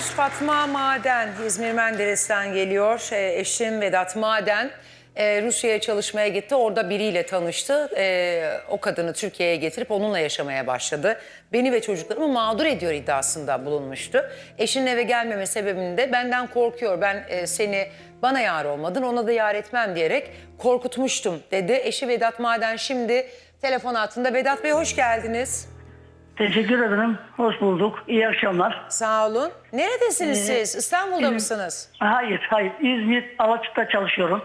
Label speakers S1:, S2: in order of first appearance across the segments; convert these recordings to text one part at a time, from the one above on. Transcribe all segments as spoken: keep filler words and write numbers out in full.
S1: Fatma Maden, İzmir Menderes'ten geliyor. E, eşim Vedat Maden e, Rusya'ya çalışmaya gitti. Orada biriyle tanıştı. E, o kadını Türkiye'ye getirip onunla yaşamaya başladı. Beni ve çocuklarımı mağdur ediyor iddiasında bulunmuştu. Eşinin eve gelmeme sebebini de benden korkuyor. Ben e, seni bana yar olmadın, ona da yar etmem diyerek korkutmuştum dedi. Eşi Vedat Maden şimdi telefon hattında. Vedat Bey hoş geldiniz.
S2: Teşekkür ederim. Hoş bulduk. İyi akşamlar.
S1: Sağ olun. Neredesiniz
S2: Ee,
S1: siz? İstanbul'da mısınız?
S2: Hayır, hayır. İzmir Alaçatı'da çalışıyorum.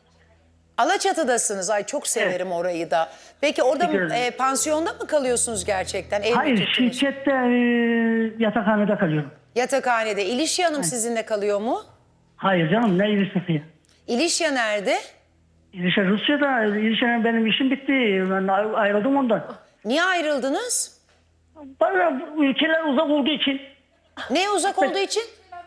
S1: Alaçatı'dasınız. Ay çok severim orayı da. Peki orada
S2: Teşekkür ederim.
S1: e, pansiyonda mı kalıyorsunuz gerçekten? Ev mi
S2: Hayır,
S1: tuttunuz?
S2: şirkette e, yatakhanede kalıyorum.
S1: Yatakhanede. İlişya Hanım sizinle kalıyor mu?
S2: Hayır canım, ne ilişkisi?
S1: İlişya nerede?
S2: İlişki Rusya'da, ilişkinin benim işim bitti. Ben ay- ayrıldım ondan.
S1: Niye ayrıldınız?
S2: Bana ülkeler uzak olduğu için,
S1: Ne uzak olduğu için?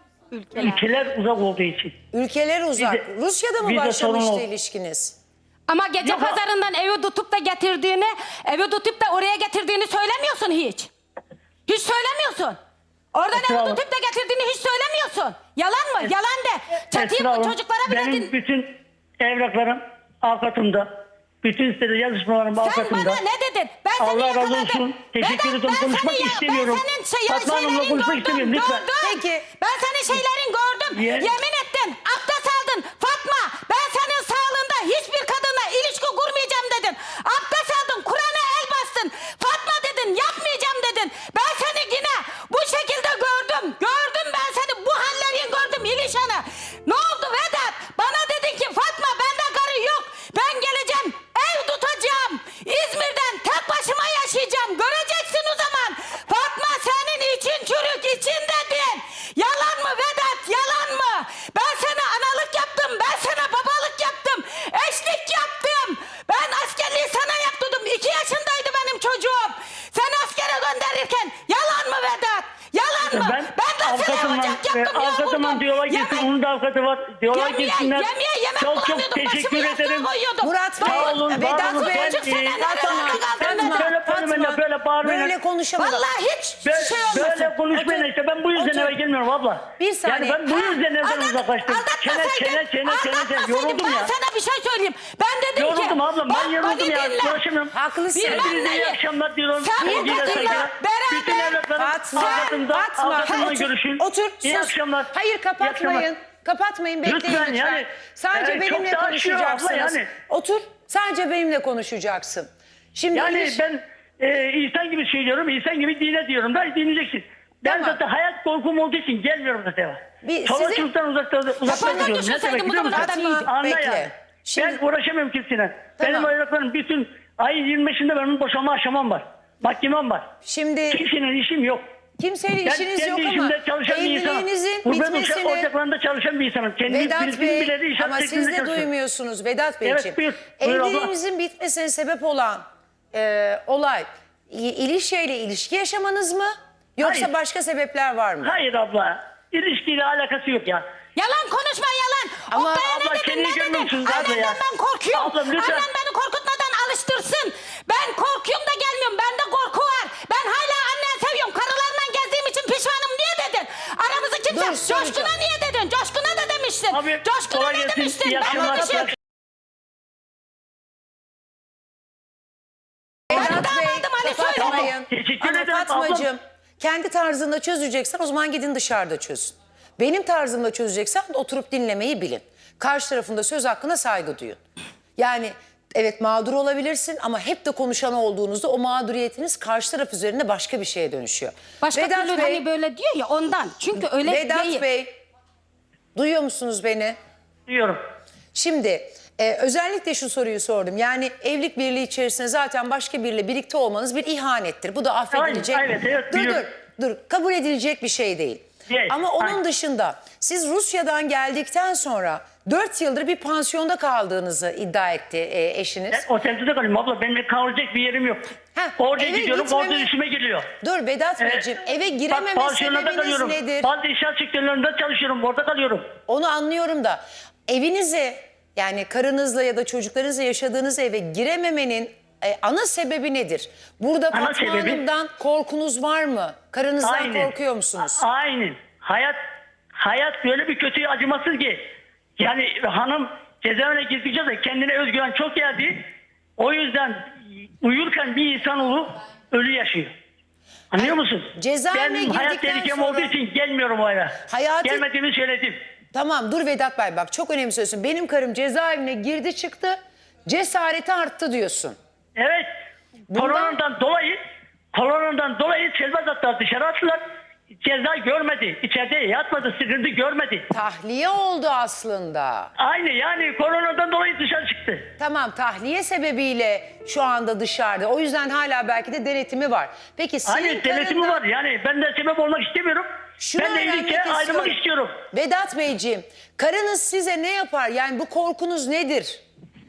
S2: ülkeler uzak olduğu için.
S1: Ülkeler uzak.
S2: Bize-
S1: Rusya'da mı
S2: bize sorun
S1: başlamıştı
S2: oldu.
S1: ilişkiniz?
S3: Ama gece
S2: Yok.
S3: pazarından evi tutup da getirdiğini, evi tutup da oraya getirdiğini söylemiyorsun hiç. Hiç söylemiyorsun. Oradan
S2: Esra
S3: evi
S2: Hanım.
S3: tutup da getirdiğini hiç söylemiyorsun. Yalan mı? Yalan de.
S2: Esra
S3: Çatıyı
S2: Hanım,
S3: çocuklara bile
S2: benim
S3: din...
S2: bütün evraklarım avukatımda. Bütün sitede yazışmalarım
S3: Sen
S2: avukatımda.
S3: bana ne dedin? Ben seni
S2: Allah razı
S3: yakaladım.
S2: olsun. Teşekkür
S3: Vedat,
S2: ederim.
S3: ben
S2: Konuşmak
S3: seni ya-
S2: istemiyorum.
S3: Ben senin şey,
S2: Fatma Hanım'la
S3: şeylerin
S2: konuşmak
S3: gördüm,
S2: istemiyorum, lütfen.
S3: gördüm.
S1: Peki.
S3: Ben senin şeylerin gördüm.
S2: Ye-
S3: Yemin ettin. Abdest aldın. Fatma, ben senin sağlığında hiçbir kadınla ilişki kurmayacağım dedin. Abdest aldın. Kur'an'a el bastın. Fatma dedin. Yapmayacağım dedin. Ben seni yine bu şekilde gördüm. Gördüm ben seni. Bu hallerin gördüm İlişan'ı. Ne oldu Vedat? Bana dedin ki Fatma bende karı yok. Ben geleceğim. Ev tutacağım. İzmir'den tek başıma yaşayacağım. Göreceksin o zaman. Fatma senin için çürük için dedin. Yalan mı Vedat? Yalan mı? Ben sana analık yaptım. Ben sana babalık yaptım. Eşlik yaptım. Ben askerliği sana yaptırdım. İki yaşındaydı benim çocuğum. Sen askere gönderirken yalan mı Vedat? Yalan mı?
S2: Ben,
S3: Ben de sana
S2: avukatımla,
S3: ocak
S2: e,
S3: yaptım.
S2: avukatımla
S3: yoğurdum.
S2: diyaloğa girsin.
S3: Yemek-
S2: Onun da avukatı var. Diyaloğa
S3: Yemeğe,
S2: girsinler.
S3: yemeğe yemek
S2: Çok çok
S3: bulamıyordum.
S2: teşekkür
S3: Başımı yastığa
S2: ederim.
S3: koyuyordum.
S1: Murat Bey,
S2: Sağ olun, var
S1: Vedat
S2: olun.
S1: Bey,
S2: Ben,
S3: Çocuk senden
S2: e,
S3: nereye
S2: Fatma,
S3: kaldın?
S1: Fatma,
S2: böyle bağırmayın da, böyle bağırmayın.
S1: böyle konuşamadım.
S3: Vallahi hiç
S2: Böyle,
S3: şey olmasın.
S2: böyle konuşmayın işte. Ben bu yüzden
S1: Otur.
S2: eve gelmiyorum abla.
S1: Bir saniye.
S2: Yani ben bu yüzden evden
S3: Aldat-
S2: uzaklaştım. Çene
S3: aldatmasaydın-
S2: çene çene çene çene.
S3: aldatmasaydın
S2: Yoruldum
S3: ben
S2: ya.
S3: sana bir şey söyleyeyim. Ben dedim ki.
S2: Yoruldum ablam. Ben
S3: bak,
S2: yoruldum
S3: beni
S2: ya.
S3: dinle.
S2: Konuşamıyorum.
S1: Haklısın.
S3: Bilmem
S2: Hepinize iyi
S3: neyi.
S2: akşamlar diyorum.
S3: Sen bu
S2: Sevgiyle,
S3: kadınla
S2: saygılar.
S3: beraber-
S2: Bütün evlatlarım
S1: Fatma,
S2: avukatımda.
S1: Fatma,
S2: Avukatımla
S1: otur,
S2: görüşün.
S1: otur,
S2: İyi
S1: sus.
S2: akşamlar.
S1: Hayır
S2: İyi akşamlar.
S1: kapatmayın. Kapatmayın, bekleyin lütfen.
S2: Lütfen yani,
S1: Sadece
S2: e, çok
S1: benimle
S2: da aşıyor abla
S1: konuşacaksınız.
S2: yani.
S1: Otur, sadece benimle konuşacaksın. Şimdi
S2: Yani
S1: iliş-
S2: ben e, insan gibi söylüyorum, insan gibi dine diyorum da dinleyeceksin. Ben
S1: Tamam.
S2: zaten hayat korkum olduğu için gelmiyorum zaten.
S1: Bir-
S2: Çoluk
S1: sizin-
S2: çocuktan uzakta uzakta
S3: Kafandan
S2: duruyorum. Ne
S3: düşünseydin
S2: demek
S3: bu
S2: biliyor musun?
S3: kadar
S1: Fatma,
S3: iyiydi.
S2: Anla
S1: bekle.
S2: yani.
S1: Şimdi-
S2: Ben uğraşamıyorum kimsine.
S1: Tamam.
S2: Benim evlatlarım bütün ayın yirmi beşinde benim boşanma aşamam var. Mahkemem var.
S1: Şimdi
S2: Kimsenin işim yok.
S1: kimseyle
S2: Ben
S1: işiniz yok
S2: kendi
S1: ama
S2: işimde çalışan bir insanım.
S1: evliliğinizin
S2: Gurbet
S1: bitmesini...
S2: ocaklarında çalışan bir insanım. Kendi
S1: Vedat
S2: bildiğim
S1: Bey,
S2: bileli inşaat
S1: ama siz
S2: sektöründe
S1: de
S2: çalışıyorum.
S1: duymuyorsunuz Vedat Beyciğim.
S2: Evet, buyur. Buyur abla.
S1: Evliliğinizin bitmesine sebep olan e, olay i- ilişkiyle ilişki yaşamanız mı? Yoksa
S2: Hayır.
S1: başka sebepler var mı?
S2: Hayır abla. İlişkiyle alakası yok ya.
S3: Yalan konuşma yalan.
S1: Ama
S3: o bana
S2: abla,
S3: ne dedin
S2: kendini
S3: ne dedin?
S2: görmüyorsunuz abla
S3: Annemden
S2: ya.
S3: ben korkuyorum.
S2: Ablam, lütfen.
S3: Annem beni korkutmadan alıştırsın. Ben korkuyorum da gelmiyorum. Bende korku var. Ben hala annen seviyorum. Karılarla gezdiğim için pişmanım niye dedin? Aramızı kimse...
S1: Dur, soracağım.
S3: Coşkun'a niye dedin? Coşkun'a da demiştin.
S2: Abi,
S3: Coşkun'a
S2: kolay
S3: ne
S2: gelsin.
S3: demiştin?
S2: İyi
S3: Ben
S2: akşamlar.
S3: bir şey...
S1: Vedat Bey,
S3: damadım Ali söyle.
S1: kapatmayın.
S2: Teşekkür
S1: Ama
S2: ederim
S1: Fatmacığım, kendi tarzında çözeceksen o zaman gidin dışarıda çözün. Benim tarzımda çözeceksen oturup dinlemeyi bilin. Karşı tarafında söz hakkına saygı duyun. Yani evet mağdur olabilirsin ama hep de konuşan olduğunuzda o mağduriyetiniz karşı taraf üzerinde başka bir şeye dönüşüyor.
S3: Başka
S1: Vedat
S3: türlü
S1: Bey,
S3: hani böyle diyor ya ondan. Çünkü öyle
S1: Vedat
S3: değil.
S1: Bey, duyuyor musunuz beni?
S2: Diyorum.
S1: Şimdi e, özellikle şu soruyu sordum. Yani evlilik birliği içerisinde zaten başka biriyle birlikte olmanız bir ihanettir. Bu da affedilecek.
S2: Aynen, evet, evet,
S1: dur
S2: biliyorum.
S1: dur dur kabul edilecek bir şey değil.
S2: Değil,
S1: Ama onun
S2: aynen.
S1: dışında siz Rusya'dan geldikten sonra dört yıldır bir pansiyonda kaldığınızı iddia etti e, eşiniz.
S2: Ben otelde de kalıyorum abla. Benim kalacak bir yerim yok.
S1: Heh,
S2: Orada
S1: eve
S2: gidiyorum,
S1: gitmeme-
S2: orada işime geliyor.
S1: Dur Vedat
S2: Evet.
S1: Beyciğim, eve
S2: Bak,
S1: girememe
S2: pansiyonda da
S1: sebebiniz
S2: kalıyorum.
S1: nedir?
S2: Bazı inşaat sektörlerinde çalışıyorum, orada kalıyorum.
S1: Onu anlıyorum da evinize, yani karınızla ya da çocuklarınızla yaşadığınız eve girememenin e, ana sebebi nedir? Burada
S2: Ana
S1: Fatma
S2: sebebi-
S1: Hanım'dan korkunuz var mı? Karınızdan
S2: Aynen.
S1: korkuyor musunuz?
S2: A- Aynen. hayat hayat böyle bir kötü acımasız ki. Yani hanım cezaevine girdikçe de kendine özgüven çok geldi. O yüzden uyurken bir insanoğlu ölü yaşıyor. Anlıyor musun?
S1: cezaevine
S2: Benim hayat
S1: girdikten
S2: tehlikem
S1: sonra-
S2: olduğu için gelmiyorum o eve.
S1: Hayatı-
S2: Gelmediğimi söyledim.
S1: Tamam dur Vedat Bey, bak çok önemli söylüyorsun. Benim karım cezaevine girdi çıktı, cesareti arttı diyorsun.
S2: Evet.
S1: Bundan-
S2: Koronadan dolayı koronadan dolayı serbest attılar, dışarı attılar. Ceza görmedi. İçeride yatmadı, sıkıntı görmedi.
S1: Tahliye oldu aslında.
S2: Aynı yani koronadan dolayı dışarı çıktı.
S1: Tamam, tahliye sebebiyle şu anda dışarıda. O yüzden hala belki de denetimi var. Peki senin
S2: Hani denetimi
S1: karından-
S2: var yani ben de sebep olmak istemiyorum.
S1: Şunu
S2: ben de
S1: öğrenmek
S2: iyilikle ayrılmak istiyorum.
S1: Vedat Beyciğim, karınız size ne yapar? Yani bu korkunuz nedir?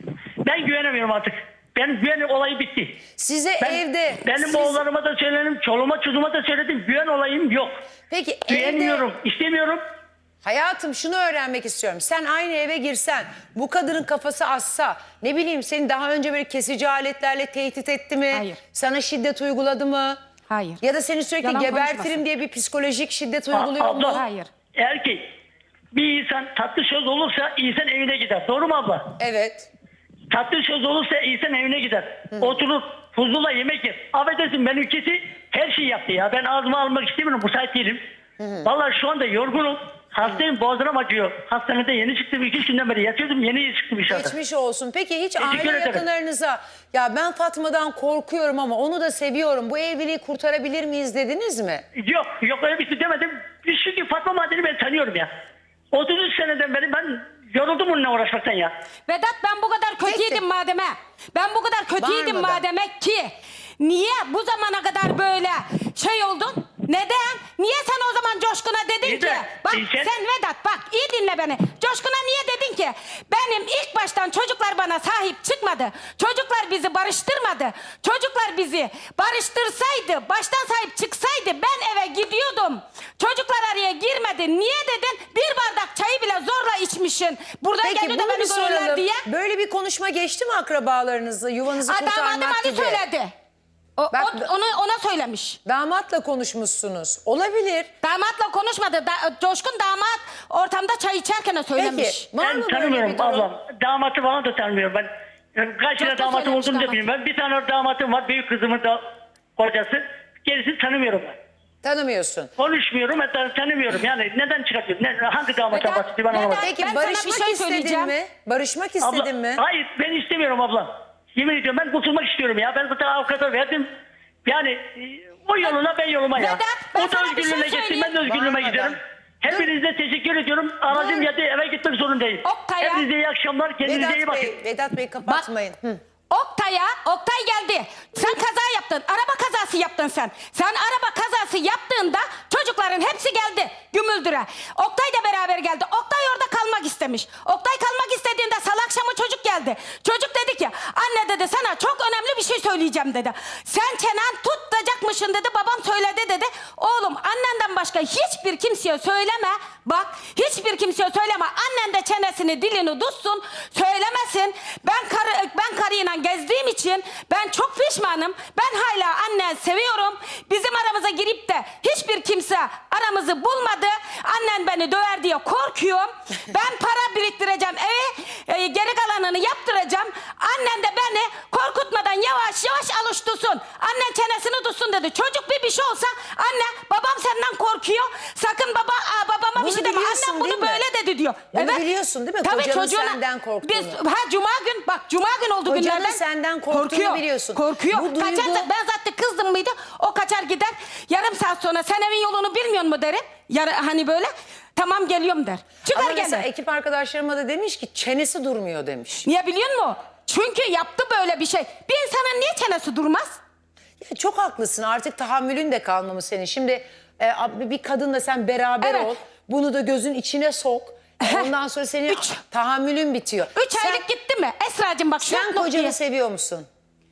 S2: Ben güvenemiyorum artık. Benim güven olayı bitti.
S1: Size
S2: Ben,
S1: evde...
S2: benim
S1: siz-
S2: oğullarıma da söyledim, çoluğuma çocuğuma da söyledim. Güven olayım yok.
S1: Peki evde...
S2: Güvenmiyorum, istemiyorum.
S1: Hayatım şunu öğrenmek istiyorum. Sen aynı eve girsen, bu kadının kafası assa, ne bileyim seni daha önce böyle kesici aletlerle tehdit etti mi?
S3: Hayır.
S1: Sana şiddet uyguladı mı?
S3: Hayır.
S1: Ya da seni sürekli
S3: Yalan
S1: gebertirim
S3: konuşmasın.
S1: diye bir psikolojik şiddet
S2: A-
S1: uyguluyor
S2: abla,
S1: mu?
S3: Hayır.
S2: Eğer ki bir insan tatlı söz olursa insan evine gider. Doğru mu abla?
S1: Evet.
S2: Tatlı söz olursa insan evine gider. Oturup huzurla yemek yer. Affedersin benimkisi her şeyi yaptı ya. Ben ağzıma almak istemiyorum. Müsait değilim. Vallahi şu anda yorgunum. Hastayım, boğazım acıyor. Hastanede yeni çıktım. iki üç günden beri yatıyordum. Yeni çıktım inşallah.
S1: Geçmiş olsun. Peki hiç
S2: Teşekkür
S1: aile
S2: ederim.
S1: yakınlarınıza ya ben Fatma'dan korkuyorum ama onu da seviyorum, bu evliliği kurtarabilir miyiz dediniz mi?
S2: Yok, yok öyle bir şey demedim. Çünkü Fatma Maden'i ben tanıyorum ya. otuz üç seneden beri ben yoruldum onunla uğraşmaktan ya.
S3: Vedat ben bu kadar kötüydüm
S1: Peki.
S3: mademe. Ben bu kadar kötüydüm
S1: Bağırmadan.
S3: mademe ki. Niye bu zamana kadar böyle şey oldun? Neden? Niye sen o zaman Coşkun'a dedin
S2: Neden?
S3: ki? Bak
S2: Neden?
S3: sen Vedat bak iyi dinle beni. Coşkun'a niye dedin ki? Benim ilk baştan çocuklar bana sahip çıkmadı. Çocuklar bizi barıştırmadı. Çocuklar bizi barıştırsaydı, baştan sahip çıksaydı ben eve gidiyordum. Çocuklar araya girmedi. Niye dedin? Bir bardak çayı bile zorla içmişsin. Buradan
S1: Peki
S3: geliyor da
S1: bunu bir
S3: beni görürler
S1: soralım.
S3: diye.
S1: Böyle bir konuşma geçti mi akrabalarınızla, yuvanızı
S3: Ha, damadım
S1: kurtarmak
S3: Ali
S1: gibi?
S3: söyledi. O,
S1: Bak-
S3: o- onu ona söylemiş.
S1: Damatla konuşmuşsunuz. Olabilir.
S3: Damatla konuşmadı. Da, Coşkun damat ortamda çay içerken söylemiş.
S1: Peki var
S2: Ben
S1: mı böyle
S2: tanımıyorum
S1: bir durum?
S2: ablam. Damatı falan da tanımıyorum ben. Yani kaç tane
S3: Çok da
S2: damatım
S3: söylemiş
S2: olduğunu da
S3: damat.
S2: bilmiyorum. Ben bir tane damatım var. Büyük kızımın da kocası. Gerisini tanımıyorum ben.
S1: Tanımıyorsun.
S2: Konuşmuyorum hatta tanımıyorum. Yani neden çıkartıyorsun? Ne, hangi damata
S3: Neden-
S2: bahsediyor ben
S3: neden-
S2: anlamadım.
S1: Peki
S3: Ben sana bir
S1: barışmak
S3: şey
S1: istedin
S3: söyleyeceğim.
S1: mi? Barışmak
S2: Abla,
S1: istedin mi?
S2: hayır ben istemiyorum abla. Yemin ediyorum ben kurtulmak istiyorum ya. Ben zaten avukata verdim. Yani e, o yoluna ben yoluma ya.
S3: Vedat, ben
S2: O da
S3: sana bir şey
S2: özgürlüğüne gitsin,
S3: söyleyeyim.
S2: ben de özgürlüğüme
S1: Bağırmadan.
S2: giderim. Hepinize teşekkür ediyorum. Aracım
S1: Dur.
S2: geldi, eve gitmek zorundayım.
S3: Oktay'a-
S2: Hepinize iyi akşamlar, kendinize iyi
S1: Vedat
S2: bakın.
S1: Bey, Vedat Bey kapatmayın. Hı.
S3: Oktay'a, Oktay geldi. Sen kaza yaptın. Araba kazası yaptın sen. Sen araba kazası yaptığında çocukların hepsi geldi Gümüldür'e. Oktay da beraber geldi. Oktay orada kalmak istemiş. Oktay kalmak istediğinde salı akşamı çocuk geldi. Çocuk dedi ki anne dedi sana çok önemli bir şey söyleyeceğim dedi. Sen çenen tutacakmışsın dedi. Babam söyledi dedi. Oğlum annenden başka hiçbir kimseye söyleme. Bak hiçbir kimseye söyleme. Annen de çenesini dilini tutsun. Söylemesin. Ben karı, ben karıyla gezdiğim için ben çok pişmanım. Ben hala annen seviyorum. Bizim aramıza girip de hiçbir kimse aramızı bulmadı. Annen beni döver diye korkuyorum. Ben para biriktireceğim eve. e, geri kalanını yaptıracağım. Annen de beni korkutmadan yavaş yavaş alıştırsın. Annen çenesini tutsun dedi. Çocuk bir bir şey olsa anne babam senden korkuyor. Sakın baba aa, babama bir
S1: Bunu
S3: şey deme.
S1: biliyorsun
S3: Annem bunu
S1: değil mi?
S3: böyle dedi diyor.
S1: Bunu biliyorsun değil mi?
S3: Tabii
S1: Kocanın
S3: çocuğuna-
S1: senden korktuğunu.
S3: Biz, ha cuma gün bak cuma gün oldu
S1: Kocanın
S3: günlerden.
S1: senden korktuğunu biliyorsun.
S3: Korkuyor.
S1: Bu duygu-
S3: Kaçar, ben zaten kızdım mıydı o kaçar gider. Yarım saat sonra sen evin yolunu bilmiyor mu derim. Yarı, hani böyle tamam geliyorum der. Çıkar
S1: Ama mesela
S3: gelir.
S1: ekip arkadaşlarıma da demiş ki çenesi durmuyor demiş.
S3: Niye biliyor musun? Çünkü yaptı böyle bir şey. Bir insanın niye çenesi durmaz?
S1: Ya çok haklısın, artık tahammülün de kalmamış senin. Şimdi e, bir kadınla sen beraber
S3: Evet.
S1: ol. Bunu da gözün içine sok. Ondan sonra senin
S3: Üç.
S1: tahammülün bitiyor.
S3: Üç
S1: sen,
S3: aylık gitti mi? Esra'cığım bak şu
S1: Sen
S3: noktaya-
S1: kocanı seviyor musun?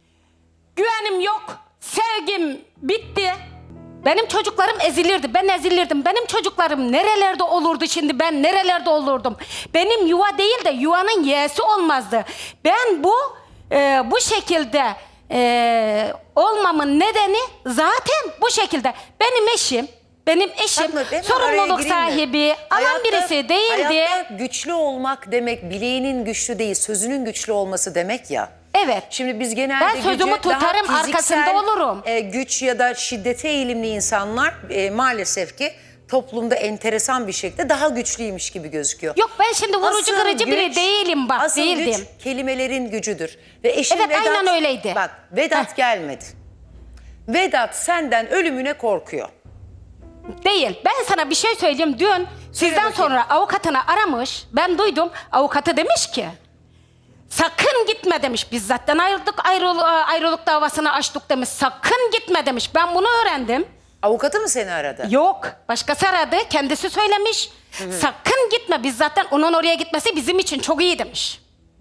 S3: Güvenim yok. Sevgim bitti. Benim çocuklarım ezilirdi. Ben ezilirdim. Benim çocuklarım nerelerde olurdu şimdi? Ben nerelerde olurdum? Benim yuva değil de yuvanın yeğesi olmazdı. Ben bu e, bu şekilde e, olmamın nedeni zaten bu şekilde. Benim eşim Benim eşim
S1: Fatma, hemen araya
S3: sorumluluk
S1: gireyim mi?
S3: sahibi, alan
S1: Hayatta-
S3: birisi değildi.
S1: Hayatta güçlü olmak demek bileğinin güçlü değil, sözünün güçlü olması demek ya.
S3: Evet.
S1: Şimdi biz genelde
S3: Ben sözümü
S1: gücü daha
S3: tutarım,
S1: fiziksel,
S3: arkasında olurum.
S1: e, güç ya da şiddete eğilimli insanlar e, maalesef ki toplumda enteresan bir şekilde daha güçlüymüş gibi gözüküyor.
S3: Yok ben şimdi vurucu
S1: Asıl
S3: kırıcı biri
S1: güç-
S3: değilim bak
S1: asıl
S3: değildim.
S1: güç kelimelerin gücüdür. Ve eşin
S3: Evet,
S1: Vedat,
S3: aynen öyleydi.
S1: Bak Vedat
S3: Heh.
S1: gelmedi. Vedat senden ölümüne korkuyor.
S3: Değil. Ben sana bir şey söyleyeyim. Dün sizden
S1: bakayım.
S3: sonra avukatını aramış. Ben duydum. Avukatı demiş ki sakın gitme demiş. Biz zaten ayrıldık. Ayrıl, ayrılık davasını açtık demiş. Sakın gitme demiş. Ben bunu öğrendim.
S1: Avukatı mı seni aradı?
S3: Yok. Başkası aradı. Kendisi söylemiş. Sakın gitme. Biz zaten onun oraya gitmesi bizim için çok iyi demiş.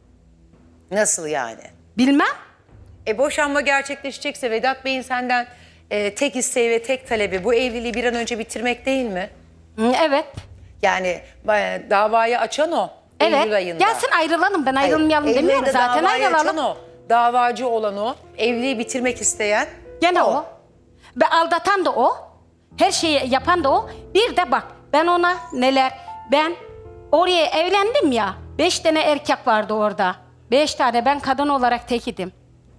S1: Nasıl yani?
S3: Bilmem.
S1: E boşanma gerçekleşecekse Vedat Bey'in senden e, tek isteği ve tek talebi bu evliliği bir an önce bitirmek değil mi?
S3: Hı, evet.
S1: Yani e, davayı açan o.
S3: Evet.
S1: Eylül ayında.
S3: Gelsin ayrılalım. Ben
S1: Hayır,
S3: ayrılmayalım
S1: Eylül
S3: demiyorum.
S1: ayında
S3: Zaten
S1: davayı açan
S3: ayrılalım.
S1: o. Davacı olan o. Evliliği bitirmek isteyen
S3: Gene o. Ve aldatan da o. Her şeyi yapan da o. Bir de bak ben ona neler... Ben oraya evlendim ya. Beş tane erkek vardı orada. Beş tane ben kadın olarak tek idim.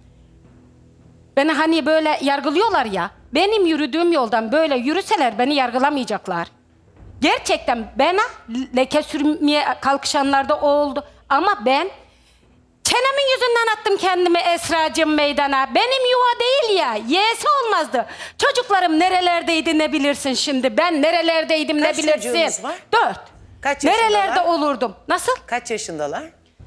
S3: Beni hani böyle yargılıyorlar ya. Benim yürüdüğüm yoldan böyle yürüseler beni yargılamayacaklar. Gerçekten bana leke sürmeye kalkışanlar da oldu. Ama ben çenemin yüzünden attım kendimi Esra'cığım meydana. Benim yuva değil ya. Y'si olmazdı. Çocuklarım nerelerdeydi ne bilirsin şimdi. Ben nerelerdeydim
S1: Kaç
S3: ne bilirsin.
S1: çocuğunuz var?
S3: Dört.
S1: Kaç yaşındalar?
S3: Nerelerde olurdum. Nasıl?
S1: Kaç yaşındalar?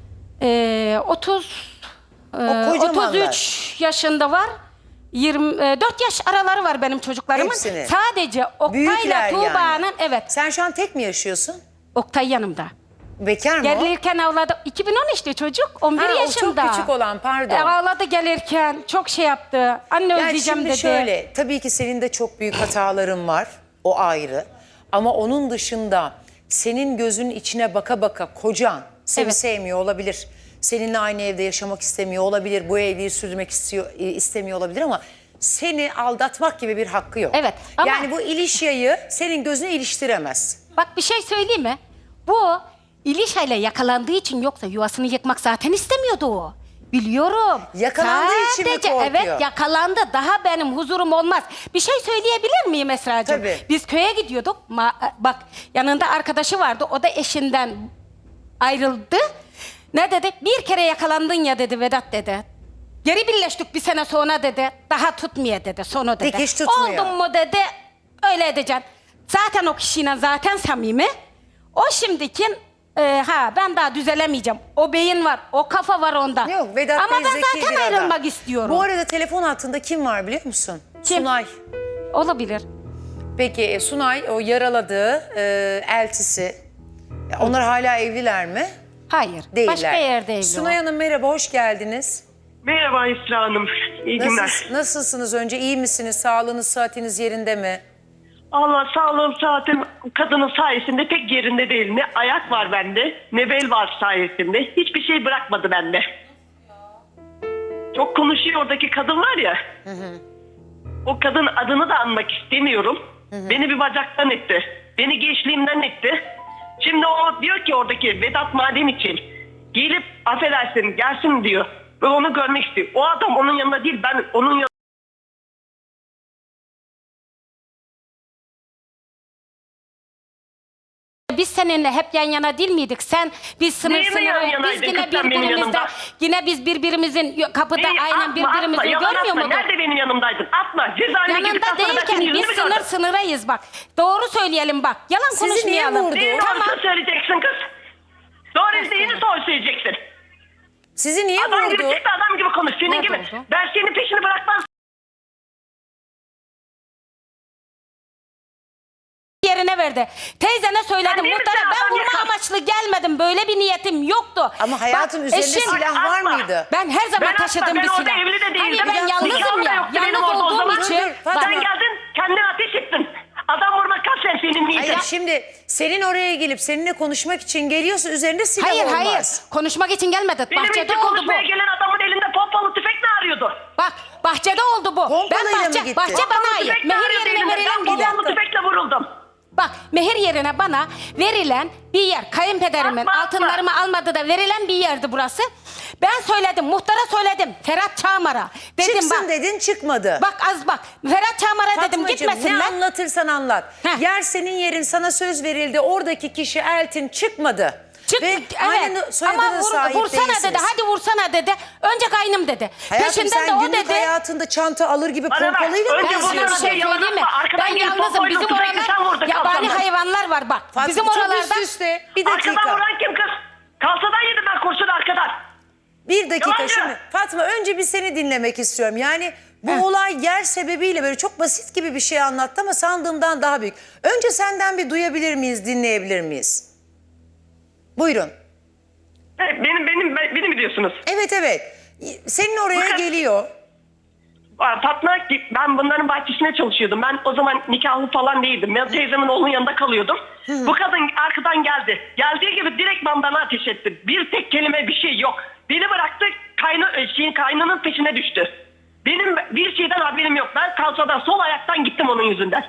S3: Ee, otuz, e,
S1: kocamanlar.
S3: otuz üç yaşında var. yirmi dört yaş araları var benim çocuklarımın.
S1: Hepsini.
S3: Sadece Oktay'la
S1: Büyükler
S3: Tuğba'nın
S1: yani.
S3: evet.
S1: Sen şu an tek mi yaşıyorsun?
S3: Oktay yanımda.
S1: Bekar mı o?
S3: Gelirken ağladı. iki bin on üçte çocuk. on bir
S1: Ha, o
S3: yaşında.
S1: çok küçük olan, pardon.
S3: E, ağladı gelirken. Çok şey yaptı. Anne
S1: Yani
S3: özleyeceğim
S1: şimdi
S3: dedi.
S1: şöyle, tabii ki senin de çok büyük hataların var, o ayrı. Ama onun dışında senin gözünün içine baka baka kocan seni
S3: Evet.
S1: sevmiyor olabilir. Seninle aynı evde yaşamak istemiyor olabilir, bu evliliği sürdürmek istiyor, e, istemiyor olabilir ama seni aldatmak gibi bir hakkı yok.
S3: Evet, ama-
S1: Yani bu ilişkiyi senin gözüne iliştiremez.
S3: Bak bir şey söyleyeyim mi? Bu İlişay'la yakalandığı için yoksa yuvasını yıkmak zaten istemiyordu o. Biliyorum.
S1: Yakalandığı için mi
S3: Sadece,
S1: korkuyor?
S3: Evet yakalandı. Daha benim huzurum olmaz. Bir şey söyleyebilir miyim Esra'cığım?
S1: Tabii.
S3: Biz köye gidiyorduk. Ma- bak yanında arkadaşı vardı. O da eşinden ayrıldı. Ne dedi? Bir kere yakalandın ya dedi Vedat dedi. Geri birleştik bir sene sonra dedi. Daha tutmuyor dedi sonu dedi.
S1: Dikiş tutmuyor.
S3: Oldun mu dedi. Öyle edeceksin. Zaten o kişiyle zaten samimi. O şimdiki e, ha ben daha düzelemeyeceğim. O beyin var, o kafa var onda.
S1: Yok, Vedat
S3: Ama
S1: Bey
S3: ben
S1: zeki
S3: zaten
S1: bir adam.
S3: ayrılmak istiyorum.
S1: Bu arada telefon hattında kim var biliyor musun?
S3: Kim?
S1: Sunay.
S3: Olabilir.
S1: Peki e, Sunay o yaraladığı e, eltisi. Ya onlar hala evliler mi?
S3: Hayır.
S1: Değiller.
S3: Başka yerde evli
S1: Sunay
S3: o.
S1: Hanım merhaba, hoş geldiniz.
S2: Merhaba İsra Hanım. İyi günler.
S1: Nasıl, nasılsınız önce? İyi misiniz? Sağlığınız, sıhhatiniz yerinde mi?
S2: Allah sağlığım saatim kadının sayesinde pek yerinde değil. Ne ayak var bende ne bel var sayesinde. Hiçbir şey bırakmadı bende. Çok konuşuyor oradaki kadın var ya. O kadın adını da anmak istemiyorum. Beni bir bacaktan etti. Beni gençliğimden etti. Şimdi o diyor ki oradaki Vedat Madem için gelip affedersin gelsin diyor. Ve onu görmek istiyor. O adam onun yanında değil, ben onun yanında.
S3: Biz seninle hep yan yana değil miydik? Sen biz sınır
S2: Neyle yan
S3: sınır biz
S2: yanaydın
S3: yine
S2: kız sen benim
S3: birbirimizden
S2: yanımda?
S3: yine biz birbirimizin kapıda
S2: Neyi?
S3: aynen
S2: Atma,
S3: birbirimizi
S2: atma, yalan
S3: görmüyor
S2: atma.
S3: muyduk?
S2: Nerede benim yanımdaydın? Atma. Cezaevine
S3: Yanında
S2: gidip sonra ben
S3: değilken
S2: senin yüzünü
S3: biz
S2: mü
S3: sınır
S2: gördüm?
S3: sınırayız bak. Doğru söyleyelim bak. Yalan
S1: Sizi niye
S3: konuşmayalım.
S1: vurdu?
S2: Neyin
S3: Tamam.
S2: doğrusunu söyleyeceksin kız? Doğru izleyini doğru söyleyeceksin.
S1: Sizi niye
S2: Adam gibi
S1: vurdu?
S2: çıktı, adam gibi konuş. Senin
S3: Nerede
S2: gibi.
S3: oldu?
S2: Ben senin peşini bırakmam.
S3: Yerine verdi. Teyzene söyledim.
S2: Sen değil
S3: Muhtara
S2: misin
S3: ben
S2: adam
S3: vurma
S2: yakan?
S3: amaçlı gelmedim. Böyle bir niyetim yoktu.
S1: Ama hayatım
S3: Bak,
S1: üzerinde
S3: eşim-
S1: silah var
S2: Atma.
S1: mıydı?
S3: Ben her zaman
S2: Ben
S3: taşıdığım
S2: atma,
S3: bir
S2: ben orada
S3: silah.
S2: evli de değildim.
S3: Hani ben
S2: Bir
S3: yalnızım
S2: nikahım da
S3: ya.
S2: yoktu benim
S3: Yalnız
S2: orada o
S3: olduğum
S2: zaman.
S3: için.
S1: Dur, dur,
S3: Bak,
S1: Fatma.
S2: Sen geldin kendin ateş ettin. Adam vurmak kaç sen senin niyetin?
S1: Hayır şimdi senin oraya gelip seninle konuşmak için geliyorsa üzerinde silah
S3: Hayır
S1: olmaz.
S3: hayır. Konuşmak için gelmedi.
S2: Benim
S3: Bahçede
S2: için
S3: oldu bu.
S2: konuşmaya gelen adamın elinde pompalı tüfek ne arıyor? arıyordu.
S3: Bak bahçede oldu bu.
S1: Pompalayla
S3: Ben
S1: mı
S3: bahçe,
S1: gitti?
S3: bahçe bana ait.
S2: Tüfekle
S3: Mehir
S2: arıyor
S3: yerine
S2: beni.
S3: verilen
S2: Ben
S3: bir yer.
S2: pompalı tüfekle vuruldum.
S3: Bak mehir yerine bana verilen bir yer. Kayınpederimin
S2: Atma, atma.
S3: altınlarımı almadı da verilen bir yerdi burası. Ben söyledim, muhtara söyledim. Ferhat Çağmar'a. Dedim
S1: Çıksın
S3: bak.
S1: dedin, çıkmadı.
S3: Bak az bak. Ferhat Çağmar'a dedim
S1: Fatmacığım, ne
S3: gitmesinler.
S1: anlatırsan anlat.
S3: Heh.
S1: Yer senin yerin, sana söz verildi. Oradaki kişi Eltin çıkmadı.
S3: Çık,
S1: Ve
S3: evet.
S1: aynı soyadına
S3: Ama vur,
S1: sahip
S3: vursana
S1: değilsiniz.
S3: dedi. Hadi vursana dedi. Önce kaynım dedi.
S1: Hayatım,
S3: Peşinden
S1: sen
S3: de o
S1: günlük
S3: dedi.
S1: hayatında çanta alır gibi
S2: Bana bak,
S1: pompalıyla mı
S2: önce
S3: Ben
S2: bunu
S3: sana bir
S1: geziyorsun?
S3: şey
S2: yalan
S3: söyleyeyim mi?
S2: atma. Arkadan
S3: Ben
S2: gelip
S3: yalnızım.
S2: bombayla
S3: Bizim
S2: tüfekle sen
S3: oralar
S2: vurdun
S3: yabani
S2: kafamdan.
S3: hayvanlar var bak.
S1: Fatma,
S3: Bizim
S1: çok
S3: oralarda
S1: üst üste. Bir
S2: Arkadan
S1: dakika.
S2: vuran kim kız? Kalsadan yedim ben kurşunu arkadan.
S1: Bir dakika
S2: Yalancı.
S1: şimdi. Fatma, önce bir seni dinlemek istiyorum. Yani bu
S3: Heh.
S1: olay yer sebebiyle böyle çok basit gibi bir şey anlattı ama sandığımdan daha büyük. Önce senden bir duyabilir miyiz, dinleyebilir miyiz? Buyurun.
S2: Evet, benim benim beni mi diyorsunuz?
S1: Evet evet. Senin oraya
S2: Bakın.
S1: geliyor.
S2: Aa, Fatma, ben bunların bahçesine çalışıyordum. Ben o zaman nikahlı falan değildim. Ben teyzemin oğlunun yanında kalıyordum. Bu kadın arkadan geldi. Geldiği gibi direktman bana ateş etti. Bir tek kelime bir şey yok. Beni bıraktı, kayna, şeyin, kaynının peşine düştü. Benim bir şeyden haberim yok. Ben kalçadan sol ayaktan gittim onun yüzünden.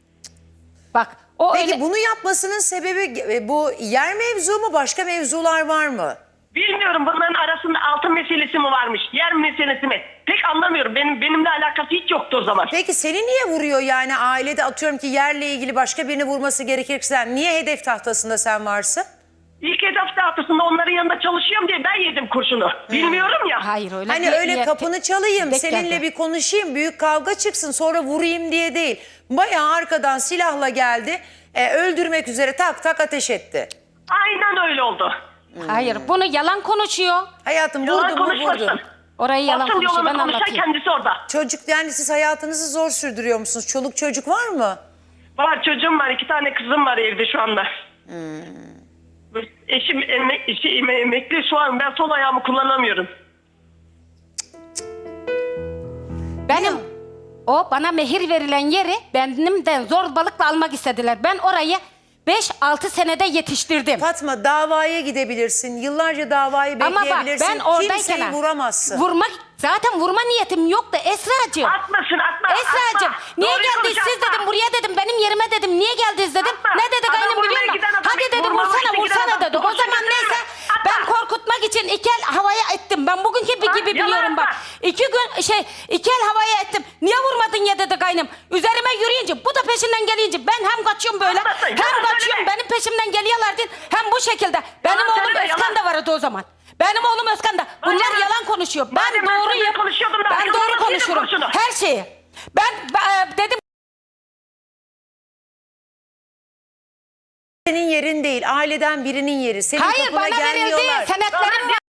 S3: bak o
S1: Peki
S3: öyle.
S1: bunu yapmasının sebebi e, bu yer mevzu mu, başka mevzular var mı?
S2: Bilmiyorum, bunların arasında altın meselesi mi varmış, yer meselesi mi? Pek anlamıyorum. Benim benimle alakası hiç yoktu o zaman.
S1: Peki seni niye vuruyor yani, ailede atıyorum ki yerle ilgili başka birini vurması gerekirse niye hedef tahtasında sen varsın?
S2: İlk hedef haftasında onların yanında çalışıyorum diye ben yedim kurşunu. Bilmiyorum ya.
S3: Hayır öyle.
S1: Hani
S3: bir-
S1: öyle
S3: bir-
S1: kapını çalayım,
S3: Denk
S1: seninle
S3: geldi.
S1: bir konuşayım, büyük kavga çıksın sonra vurayım diye değil. Bayağı arkadan silahla geldi, e, öldürmek üzere tak tak ateş etti.
S2: Aynen öyle oldu.
S3: Hayır bunu yalan konuşuyor.
S1: Hayatım
S2: Yalan
S1: vurdu mu
S2: konuşmasın.
S1: vurdu.
S3: Orayı yalan
S2: Asıl
S3: konuşuyor. Ben
S2: yolunu konuşan
S3: anlatayım.
S2: kendisi orada.
S1: Çocuk, yani siz hayatınızı zor sürdürüyor musunuz? Çoluk çocuk var mı?
S2: Var, çocuğum var, iki tane kızım var evde şu anda. Eşim emek, eşi eme- emekli şu an, ben sol ayağımı kullanamıyorum.
S3: Benim o bana mehir verilen yeri benimden zorbalıkla almak istediler. Ben orayı beş altı senede yetiştirdim.
S1: Fatma, davaya gidebilirsin. Yıllarca davayı
S3: Ama bak
S1: bekleyebilirsin.
S3: ben oradayken
S1: Kimseyi
S3: ha,
S1: vuramazsın.
S3: Vurmak zaten vurma niyetim yoktu Esra'cığım.
S2: Atmasın, atma.
S3: Esra'cığım
S2: atma.
S3: niye
S2: Doğruyu
S3: geldiniz
S2: konuş,
S3: siz
S2: atma.
S3: dedim, buraya dedim, benim yerime dedim, niye geldiniz dedim.
S2: Atma.
S3: Ne dedi
S2: Adam
S3: kaynım biliyor
S2: vurmaya
S3: musun?
S2: giden adam,
S3: Hadi dedi
S2: vurmaya
S3: vursana
S2: giden
S3: vursana
S2: adam,
S3: dedi. O
S2: kurşun
S3: zaman
S2: götürür.
S3: neyse
S2: Atma.
S3: ben korkutmak için iki el havaya ettim. Ben bugünkü bir
S2: Ha,
S3: gibi
S2: yalan
S3: biliyorum bak.
S2: atma.
S3: İki gün şey iki el havaya ettim. Niye vurmadın ya dedi kaynım. Üzerime yürüyünce bu da peşinden gelince ben hem kaçıyorum böyle
S2: Atmasın,
S3: hem
S2: yalan
S3: kaçıyorum,
S2: söyleme.
S3: benim peşimden geliyorlardı hem bu şekilde. Benim
S2: Yalan
S3: oğlum
S2: söyleme,
S3: Özkan
S2: yalan.
S3: da vardı o zaman. Benim oğlum Özkan da. Bunlar
S2: Madem-
S3: yalan konuşuyor. Ben
S2: madem ben
S3: doğruyum.
S2: seninle konuşuyordum da
S3: Ben
S2: arkadan
S3: doğru
S2: nasıl
S3: konuşurum.
S2: yedin kurşunu?
S3: Her şeyi. Ben e, dedim
S1: Senin yerin değil, aileden birinin yeri. Senin
S3: hayır
S1: kapına
S3: bana verildi.
S1: gelmiyorlar.
S3: Senetlerim var.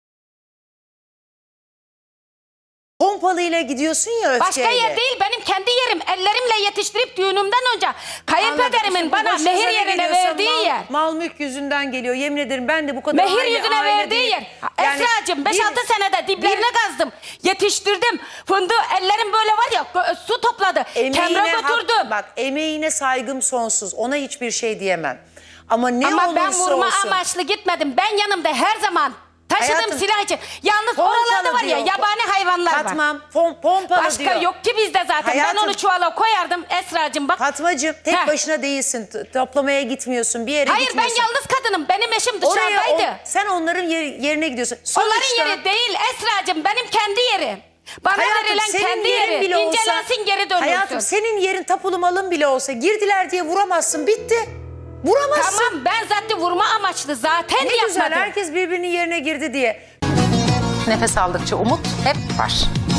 S1: Pompalıyla gidiyorsun ya öfkeyle.
S3: Başka yer değil, benim kendi yerim. Ellerimle yetiştirip düğünümden önce
S1: Anladım.
S3: kayınpederimin
S1: Şimdi bu
S3: bana
S1: başınıza
S3: mehir
S1: ne
S3: yerine
S1: geliyorsa
S3: verdiği
S1: mal,
S3: yer.
S1: Mal mülk yüzünden geliyor. Yemin ederim ben de bu kadar
S3: Mehir
S1: aile-
S3: yüzüne
S1: aile
S3: verdiği
S1: değil.
S3: yer.
S1: Yani
S3: Esra'cığım beş
S1: bir-
S3: altı senede diplerine kazdım. Yetiştirdim. Fındığı ellerim böyle var ya gö- su topladı. Kemre
S1: hak-
S3: götürdüm.
S1: Bak, emeğine saygım sonsuz. Ona hiçbir şey diyemem. Ama ne
S3: Ama
S1: olursa
S3: ben vurma
S1: olsun.
S3: amaçlı gitmedim. Ben yanımda her zaman taşıdığım
S1: Hayatım,
S3: silah için. Yalnız
S1: Pompalı
S3: oralarda var ya
S1: diyor.
S3: yabani hayvanlar var.
S1: Fatmam, pom, pompalı
S3: Başka
S1: diyor.
S3: yok ki bizde zaten.
S1: Hayatım-
S3: Ben onu çuvala koyardım Esra'cığım bak.
S1: Fatmacığım, tek
S3: Heh.
S1: başına değilsin. T- Toplamaya gitmiyorsun. Bir yere
S3: Hayır ben
S1: gitmiyorsun.
S3: yalnız kadınım. Benim eşim
S1: Oraya
S3: dışarıdaydı.
S1: on- sen onların yer- yerine gidiyorsun.
S3: Onların
S1: Sonuçta-
S3: yeri değil Esra'cığım. Benim kendi yerim. Bana
S1: Hayatım,
S3: verilen
S1: senin
S3: kendi
S1: yerin
S3: yeri.
S1: bile olsa-
S3: İncelensin geri dönülsün.
S1: Hayatım, senin yerin tapulu malın bile olsa girdiler diye vuramazsın. Bitti. Vuramazsın.
S3: Tamam ben zaten vurma amaçlı zaten
S1: Ne
S3: yapmadım.
S1: güzel, herkes birbirinin yerine girdi diye.
S4: Nefes aldıkça umut hep var.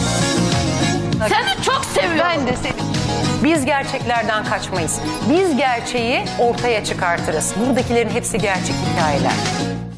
S3: Seni çok seviyorum.
S4: Ben de seni. Biz gerçeklerden kaçmayız. Biz gerçeği ortaya çıkartırız. Buradakilerin hepsi gerçek hikayeler.